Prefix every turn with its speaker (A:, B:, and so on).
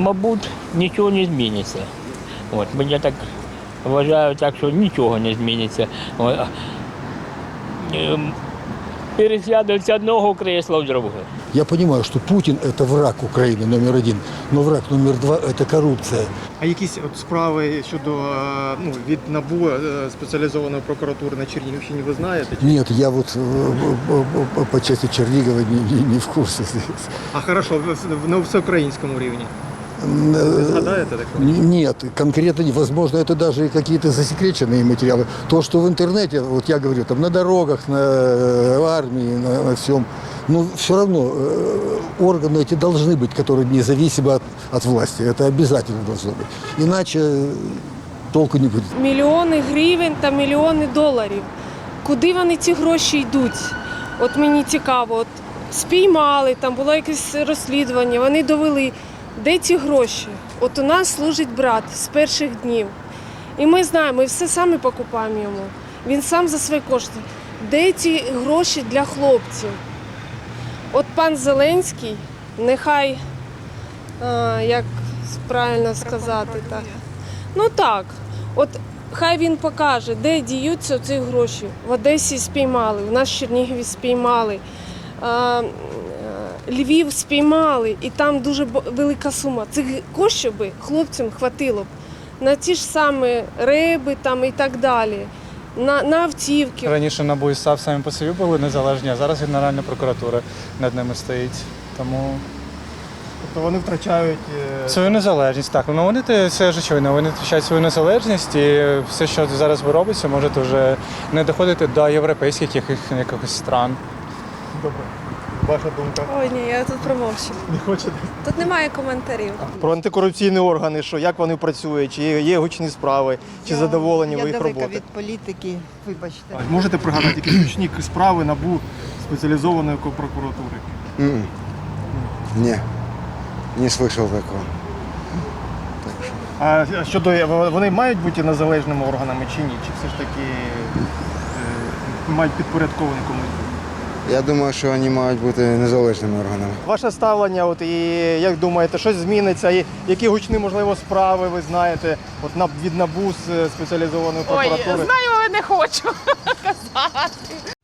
A: Мабуть, нічого не зміниться. От, мені так вважаю, так, що нічого не зміниться. От. Пересядуть з одного крісла в друге.
B: Я понимаю, что Путин – это враг Украины номер один, но враг номер два – это коррупция.
C: А якісь от справи щодо від НАБУ спеціалізованої прокуратури на Чернігівщині ви знаєте?
B: Нет, я вот по части Чернигова не в курсе.
C: А хорошо, на всеукраїнському рівні. Ви згадаєте таке?
B: Нет, конкретно не. Возможно, это даже и какие-то засекреченные материалы. То, что в интернете, вот я говорю, там на дорогах, на армии, на всем, но все равно органы эти должны быть, которые независимы от власти. Это обязательно должно быть. Иначе толку не будет.
D: Мільйони гривень та мільйони доларів. Куди вони ці гроші йдуть? От мені цікаво, от спіймали, там було якесь розслідування, вони довели. Де ці гроші? От у нас служить брат з перших днів. І ми знаємо, ми все самі покупаємо йому. Він сам за свої кошти. Де ці гроші для хлопців? От пан Зеленський, нехай, як правильно сказати, так. Ну так, от хай він покаже, де діються ці гроші. В Одесі спіймали, у нас в Чернігові спіймали. Львів спіймали, і там дуже велика сума. Цих коштів би хлопцям хватило б на ті ж самі риби там і так далі, на автівки.
E: Раніше НАБУ і САП самі по собі були незалежні, а зараз Генеральна прокуратура над ними стоїть. Тому
C: Тобто вони втрачають
E: свою незалежність, так. Ну вони це ж очевидно, вони втрачають свою незалежність і все, що зараз робиться, може вже не доходити до європейських якихось стран.
C: Добре. Ваша думка?
F: Ой, ні, я тут промовчу.
C: Не хочете?
F: Тут немає коментарів.
C: Про антикорупційні органи, що як вони працюють, чи є гучні справи, чи задоволені ви їх роботою?
G: Я далека від політики, вибачте.
C: Можете пригадати якісь гучні справи НАБУ спеціалізованої прокуратури?
H: Не слышал такого.
C: А щодо вони мають бути незалежними органами чи ні? Чи все ж таки мають підпорядковані комусь?
H: Я думаю, що вони мають бути незалежними органами.
C: Ваше ставлення, от, і як думаєте, щось зміниться? І які гучні, можливо, справи ви знаєте від НАБУ з спеціалізованої прокуратури?
I: Ой, знаю, але не хочу казати.